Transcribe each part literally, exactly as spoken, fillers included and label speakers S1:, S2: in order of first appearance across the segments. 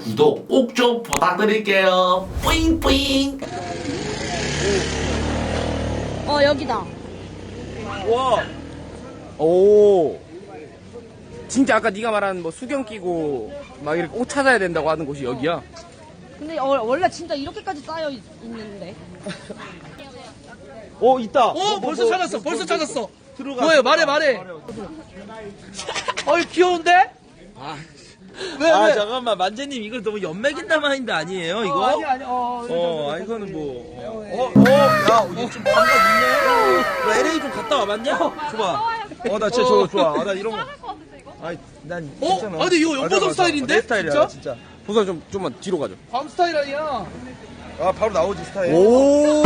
S1: 구독 꼭 좀 부탁드릴게요. 뿌잉뿌잉.
S2: 어 여기다.
S3: 와. 오. 진짜 아까 네가 말한 뭐 수경 끼고 막 이렇게 옷 찾아야 된다고 하는 곳이 여기야?
S2: 근데 어, 원래 진짜 이렇게까지 쌓여 있, 있는데.
S3: 어 있다.
S4: 어, 벌써 찾았어, 벌써 찾았어.
S3: 들어가.
S4: 뭐예요? 말해, 말해. 어이, 귀여운데? 왜,
S5: 아
S4: 왜?
S5: 잠깐만 만재님 이걸 너무 연맥인다 마인드 아니에요 이거?
S4: 어, 아니, 아니, 어,
S5: 어, 아 이거는 뭐 어, 어, 야 이거 좀 감각 있네. 너 엘에이 좀 갔다 와봤냐? 좋아. 어 나 진짜 좋아 좋아. 아, 나 이런 거. 아니 난
S4: 어?
S5: 괜찮아.
S4: 아, 근데 이거
S5: 맞아,
S4: 연보성
S5: 맞아.
S4: 스타일인데?
S5: 내 스타일이야
S4: 진짜?
S5: 진짜.
S3: 보선 좀 좀만 뒤로 가죠.
S4: 밤 스타일 아니야.
S5: 아 바로 나오지 스타일.
S3: 오.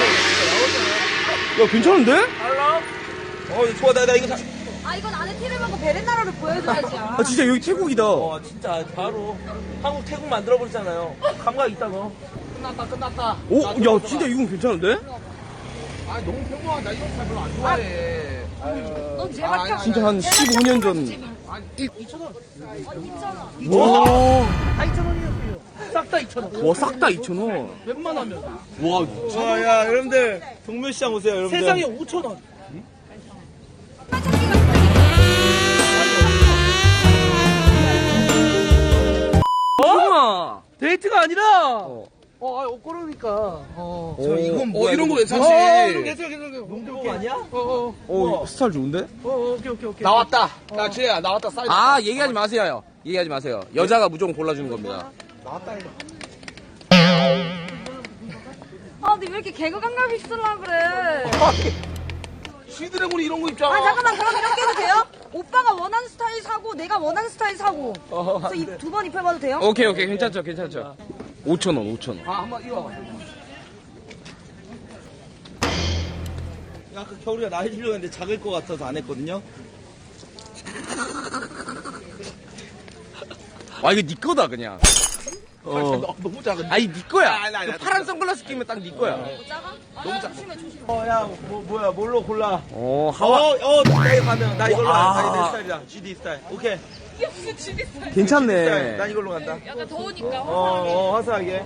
S3: 야 괜찮은데?
S5: 어 좋아 나, 나 이거 사.
S2: 아 이건 안에 티를 먹고 베렌나라를 보여줘야지.
S3: 아 진짜 여기 태국이다.
S5: 어 진짜 바로 한국 태국 만들어 버리잖아요. 감각 있다 너.
S4: 끝났다, 끝났다.
S3: 오, 야 진짜 이건 괜찮은데?
S4: 아, 너무 평범하다. 이런 스타일 별로 안 좋아해.
S2: 넌 제발 펴.
S3: 진짜 한 십오 년 전.
S4: 아니, 이천 원.
S3: 와.
S4: 다 이천 원이었어요. 싹 다 이천 원.
S3: 와 싹 다 이천 원.
S4: 웬만하면.
S3: 와.
S5: 와야 여러분들 동묘시장 오세요 여러분들.
S4: 세상에 오천 원.
S3: 우와.
S4: 데이트가 아니라.
S3: 어.
S4: 어, 아, 그러니까. 어.
S3: 저 이건
S4: 어, 이런 거 괜찮지.
S3: 어,
S4: 이런 거 괜찮아, 괜찮아.
S5: 농구 아니야?
S4: 어, 어,
S3: 오 스타일 좋은데?
S4: 어, 어, 오케이, 오케이, 오케이.
S6: 나왔다. 야, 쟤야, 나왔다. 사이드.
S3: 아 얘기하지 마세요. 얘기하지 마세요. 여자가 무조건 골라주는 겁니다.
S2: 아 근데 왜 이렇게 개그 감각이 있으려 그래.
S6: 시드래곤이 이런 거 입잖아.
S2: 아 잠깐만 그럼 이렇게 해도 돼요? 오빠가 원하는 스타일 사고 내가 원하는 스타일 사고. 그래서 두 번 입혀봐도 돼요?
S3: 오케이 오케이 괜찮죠 괜찮죠. 오천 원 오천 원.
S4: 아, 한번 이거.
S5: 아까 겨울이가 나 해주려고 했는데 작을 것 같아서 안 했거든요.
S3: 와 이거 네 거다 그냥. 어.
S6: 너무 작은.
S3: 아니 네 거야.
S6: 아니, 아니,
S3: 그
S6: 아니.
S3: 파란 선글라스 끼면 딱 네 거야.
S2: 작아? 너무 작아. 조심해 조심해.
S5: 어, 야, 뭐, 뭐야, 뭘로 골라?
S3: 어
S5: 어,
S3: 하와.
S5: 어, 나 이거 가능. 나 이걸로
S3: 와.
S5: 간다. 내 스타일이다. 지디 스타일. 오케이. 스타일.
S3: 괜찮네.
S5: 난 이걸로 간다.
S2: 약간 더우니까.
S5: 어, 어, 화사하게.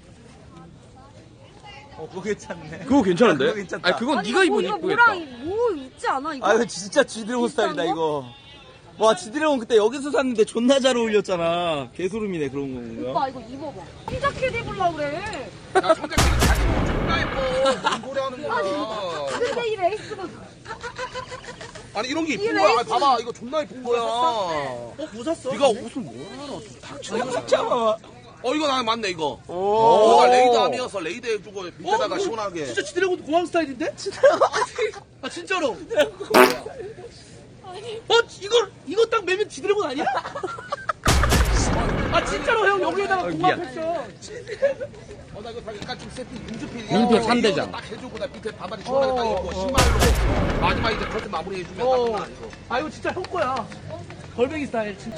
S5: 어, 그거 괜찮네.
S3: 그거 괜찮은데?
S5: 그거 괜찮다.
S3: 아니 그건
S2: 아니,
S3: 네가
S2: 이거
S3: 입으면
S2: 뭐,
S3: 이쁘겠다.
S2: 뭐랑 뭐 있지 않아 이거?
S5: 아, 이거 진짜 지드래곤 스타일이다,
S2: 비싼
S5: 이거. 와, 지드래곤 그때 여기서 샀는데 존나 잘 어울렸잖아. 개소름이네, 그런 건가?
S2: 오빠 이거 입어봐. 흰자켓 입으려고 그래.
S6: 야, 청자끼리 자기 뭐 존나 예뻐. 뭔 소리 하는 거야.
S2: 근데 이 레이스가
S6: 아니, 이런 게
S2: 이
S6: 이쁜 거야.
S2: 레이스.
S6: 봐봐, 이거 존나 예쁜 거야.
S5: 어, 뭐 샀어?
S6: 네가 옷을 뭐 하나 닥쳐.
S5: 이거 샀잖아.
S6: 어, 이거 나 맞네, 이거.
S5: 오.
S6: 이거가 레이드함이어서 레이드 해주고 밑에다가
S4: 어,
S6: 시원하게.
S4: 진짜 지드래곤 공항 스타일인데? 아, 진짜로. 어, 이걸, 이거 딱 매면 지드래곤 아니야? 아, 진짜로 형, 여기에다가 공항
S3: 미안.
S4: 패션.
S6: 어, 나 이거 다 약간 좀 세트 민주필.
S3: 민폐 삼 대장.
S6: 딱 해주고 나 밑에 바바리 시원하게 딱 입고 신발로 마지막 이제 커트 마무리 해주면 딱
S4: 어.
S6: 끝나, 이거.
S4: 아, 이거 진짜 형 거야. 걸뱅이 스타일, 진짜.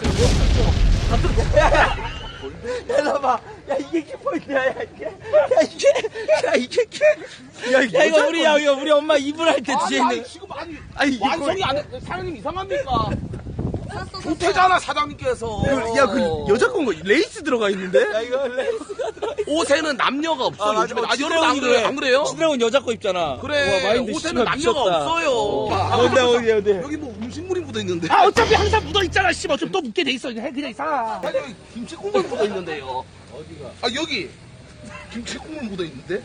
S5: 야, 봐. 야, 이게 키포인트야, 야, 이게. 야, 이게. 야, 이게 키. 야, 야 이거 우리, 야, 이거 우리 엄마 이불 할 때 뒤에
S6: 아니,
S5: 있는.
S6: 아니, 지금 아니,
S3: 아니, 이거-
S6: 완성이 안 해. 사장님 이상합니까? 좋대잖아, 사장님께서.
S3: 야 그 여자 건거 레이스 들어가 있는데?
S5: 야, 이거 레이스가 들어.
S6: 옷에는 남녀가 없어.
S5: 아,
S6: 요즘에.
S5: 맞아.
S6: 아, 여러분 안 그래, 안 그래요?
S5: 지드래곤 여자 거 입잖아.
S6: 그래.
S5: 와, 마인드
S6: 옷에는
S5: 씨발
S6: 남녀가
S5: 미쳤다.
S6: 없어요.
S5: 어디, 어디, 어디.
S6: 여기 뭐 음식물이 묻어 있는데.
S4: 아, 어차피 항상 묻어 있잖아, 씨발. 좀 또 묻게 돼 있어. 그냥 그냥 사.
S6: 아니, 여기 김치 국물 묻어 있는데요. 어디가? 아, 여기. 김치 국물 묻어 있는데?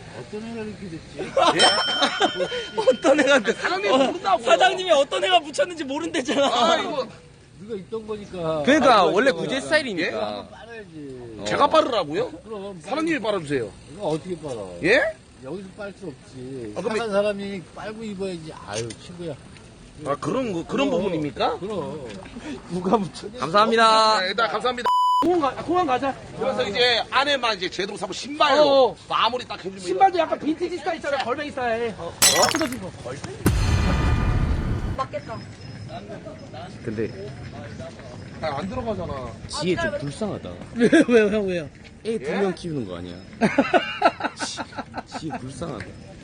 S5: 어떤 애가
S6: 사장님
S5: 어,
S6: 모른다고요.
S5: 사장님이 어떤 애가 묻혔는지 모른대잖아.
S6: 아, 이거
S3: 그러니까 원래 구제 스타일이니까.
S6: 제가 빠르라고요? 사장님이 빨아주세요.
S7: 이거 어떻게 빨아?
S6: 예?
S7: 여기서 빨 수 없지.
S6: 아, 그럼
S7: 착한 사람이 빨고 입어야지. 아유, 친구야.
S6: 아, 그런 거, 그런 부분입니까?
S7: 그럼.
S5: 누가 묻혀?
S3: 감사합니다.
S6: 네, 일단 감사합니다.
S4: 공항 가, 공항 가자.
S6: 그래서 이제 안에만 이제 제대로 사고 신발로
S4: 어.
S6: 마무리 딱 해주면.
S4: 신발도 약간 빈티지 스타일 있잖아, 걸뱅이 스타일. 어, 뜯어진 거.
S2: 맞겠다.
S3: 근데
S6: 아, 안 들어가잖아.
S3: 지혜 좀 불쌍하다.
S4: 왜요, 왜요, 형, 왜요?
S3: 애 두 명 키우는 거 아니야? 지- 지혜 불쌍하다.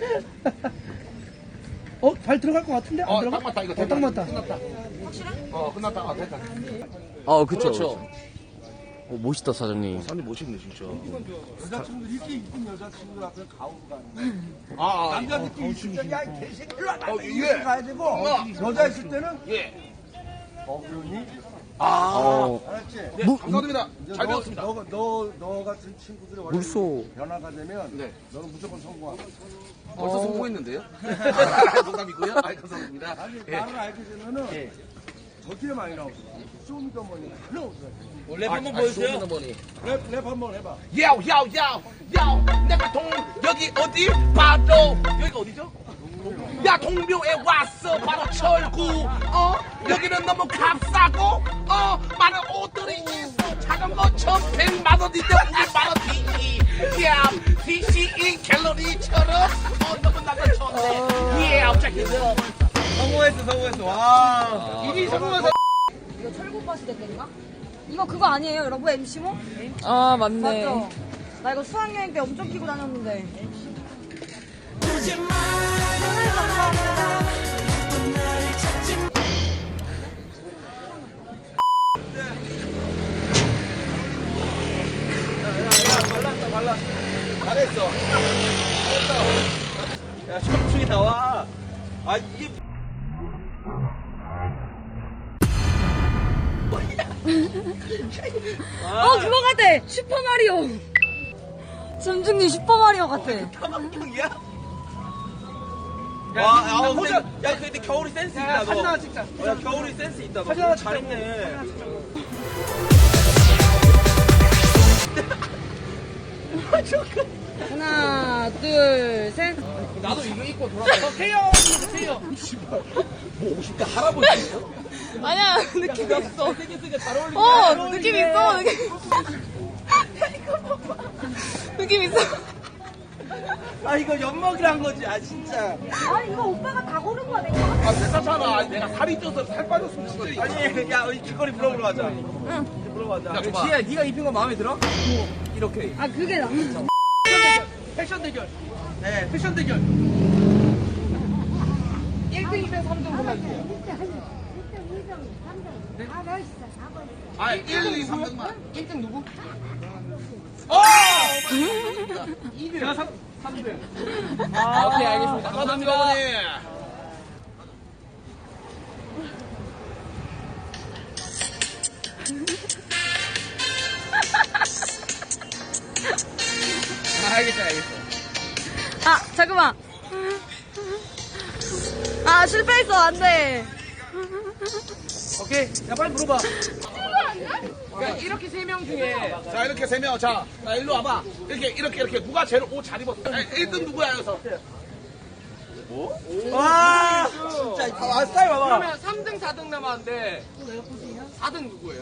S4: 어, 발 들어갈 것 같은데? 안
S6: 어,
S4: 들어가?
S6: 딱 맞다, 이거.
S4: 어, 딱 맞다.
S6: 끝났다. 어, 끝났다. 아, 됐다.
S3: 어 그쵸.
S6: 그렇죠.
S3: 어, 멋있다, 사장님.
S6: 사장님 멋있네 진짜.
S5: 여자친구 이렇게 이쁜 여자친구 앞에 가오로 가는
S6: 아, 아
S5: 남자 느낌 있을 때, 야, 이 개새끼, 일로 와.
S6: 어,
S5: 이렇게
S6: 예.
S5: 가야 되고, 여자 있을 때는,
S6: 예.
S5: 어, 그러니?
S6: 아,
S3: 어,
S5: 알았지?
S6: 네,
S3: 무-
S6: 감사드립니다.
S5: 이제
S6: 잘
S5: 너,
S6: 배웠습니다.
S5: 너, 너, 너 같은 친구들이 원래
S3: 물소.
S5: 변화가 되면,
S6: 네.
S5: 너는 무조건 성공하고.
S6: 벌써 성공했는데요? 농담이고요. 아, 감사합니다.
S5: 아니,
S6: 예.
S5: 나를 알게 되면은,
S6: 예.
S5: 저기에 많이 나오고, 쇼미더머니 다 나오더라고.
S6: 랩 한번 보여주세요.
S5: 랩, 랩 한번 해봐.
S6: 야우 야우 야우 야우 내가 동 여기 어디 바로 여기가 어디죠? 야 동묘에 왔어 바로 철구 어 여기는 너무 값싸고 어 많은 옷들이 있어 자전거 천백만 원인데 우리 만원 뒤 야 디씨인 갤러리처럼 어 너무 나가 좋네 예 아우자 힘들어
S5: 성공했어, 성공했어. 와.
S6: 이미 성공해서
S2: 이거 철구버스 됐겠나? 이거 그거 아니에요, 여러분? 엠씨모?
S3: 아, 맞네.
S2: 맞죠? 나 이거 수학여행 때 엄청 끼고 다녔는데.
S5: 발랐다, 발랐어. 잘했어. 잘했어. 야, 춤추기 나와. 아, 이게.
S2: 어, 그거 같아! 슈퍼마리오! 점중님 슈퍼마리오 같아.
S5: 타박형이야? 와, 야, 호자, 야, 근데 겨울이 센스 있다, 너. 사진 하나 찍자. 어, 야, 겨울이 센스 있다, 너. 사진 하나 잘했네.
S2: 하나, 둘, 셋.
S6: 나도 이거 입고 돌아가 세요 세요 뭐 오십 대 할아버지예요?
S2: 아니야, 느낌 있어.
S5: 생겼으니까 잘 어울린다.
S2: 어, 느낌 있어, 느낌. 느낌 있어.
S5: 아, 이거 엿먹이란 거지, 아, 진짜.
S2: 아니, 이거 오빠가 다 고른 거야, 내가.
S6: 아 괜찮잖아 내가 살이 쪄서 살 빠졌으면 진짜
S5: 아니, 야, 우리 길거리 물어보러 가자. 응. 물어보러 가자.
S6: 야, 줘봐.
S5: 지혜야, 네가 입힌 거 마음에 들어? 이렇게.
S2: 아, 그게 나.
S5: 패션 대결. 네, 패션 대결. 일 등, 이 등, 삼 등 골라주세요.
S6: 아 일, 이, 삼 등만
S5: 일 등 누구? 어! 이 등. 제가 삼, 삼 등. 아, 오케이, 알겠습니다.
S6: 감사합니다 어머니
S5: 알겠어, 알겠어.
S2: 아, 잠깐만. 아, 실패했어, 안 돼.
S5: 오케이. 야, 빨리 물어봐.
S6: 그러니까 이렇게 세 명 중에 자 이렇게 세명 자, 자 일로 와봐 이렇게 이렇게 이렇게 누가 제일 옷 잘 입었어 일 등 누구야 여기서
S5: 와, 진짜. 아, 스타일 봐봐.
S3: 그러면 삼 등, 사 등 남았는데 사 등 누구예요?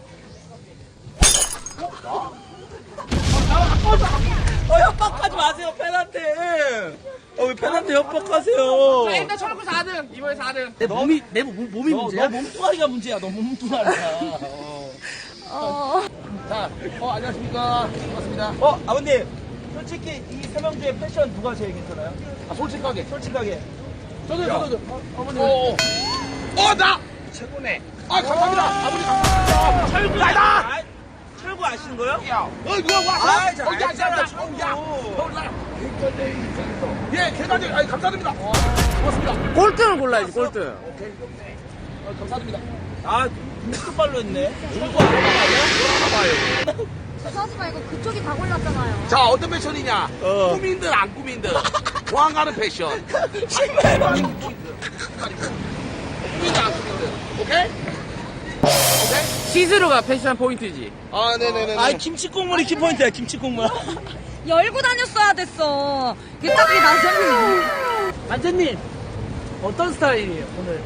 S5: 어, 협박하지 마세요, 팬한테. 어, 왜 팬한테 협박하세요?
S3: 자, 일단 철구 사 등, 이번에 사 등.
S5: 내 몸이, 내 몸, 몸이 문제야? 너 몸뚱아리가 문제야, 너 몸뚱아리야.
S2: 어.
S6: 자, 어 안녕하십니까 반갑습니다
S5: 어, 아버님. 솔직히 이 세 명 중에 패션 누가 제일 괜찮아요?
S6: 아 솔직하게
S5: 솔직하게.
S6: 저도 저도 저 어머니 어나
S5: 최고네.
S6: 아 감사합니다 아버님 감사합니다 철구 나다
S5: 아, 철구 아시는 거요?
S6: 야, 어, 누가 왔어?
S5: 아, 잘
S6: 어, 야, 야, 야,
S5: 알잖아,
S6: 야,
S5: 철구.
S6: 야, 어, 나. 예, 계단에, 아니, 감사드립니다. 고맙습니다.
S3: 꼴등을 골라야지, 꼴등.
S6: 오케이. 어, 감사드립니다.
S5: 아, 눈썹발로 했네. 누구 아니야?
S2: 하지 말고 그쪽이 다 골랐잖아요.
S6: 자, 어떤 패션이냐?
S5: 어.
S6: 꾸민 듯, 안 꾸민 듯. 왕 가는 패션.
S5: 신발 봐.
S6: 꾸민 듯, 안 꾸민 듯. 오케이? 오케이?
S3: 시스루가 패션 포인트지.
S6: 아, 네네네.
S5: 아, 김치 국물이 키포인트야, 김치 국물.
S2: 열고 다녔어야 됐어. 그게 딱 이게 나잖아.
S5: 안재님, 어떤 스타일이에요, 오늘?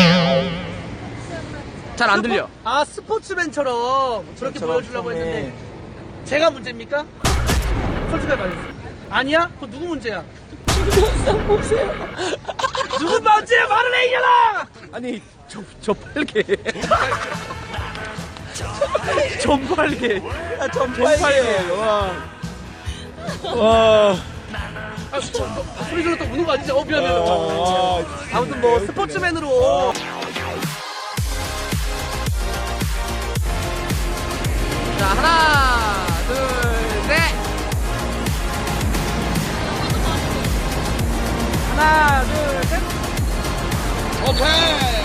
S3: 잘 안 들려.
S5: 아, 스포츠맨처럼 저렇게 보여주려고 했는데, 제가 문제입니까? 솔직하게 말해주세요. 아니야? 그거 누구 문제야? 영상 보세요. 누구 문제야? 말을 해, 이년아!
S3: 아니, 저, 저 빨개. 전 빨개.
S5: 아, 전
S3: 전 빨개. 와. 와.
S6: 아, 소리 질렀다 우는 거 아니지? 어, 미안해.
S5: 아, 아무튼 뭐, 스포츠맨으로.
S3: 자, 하나, 둘, 셋. 하나, 둘, 셋.
S6: 오케이.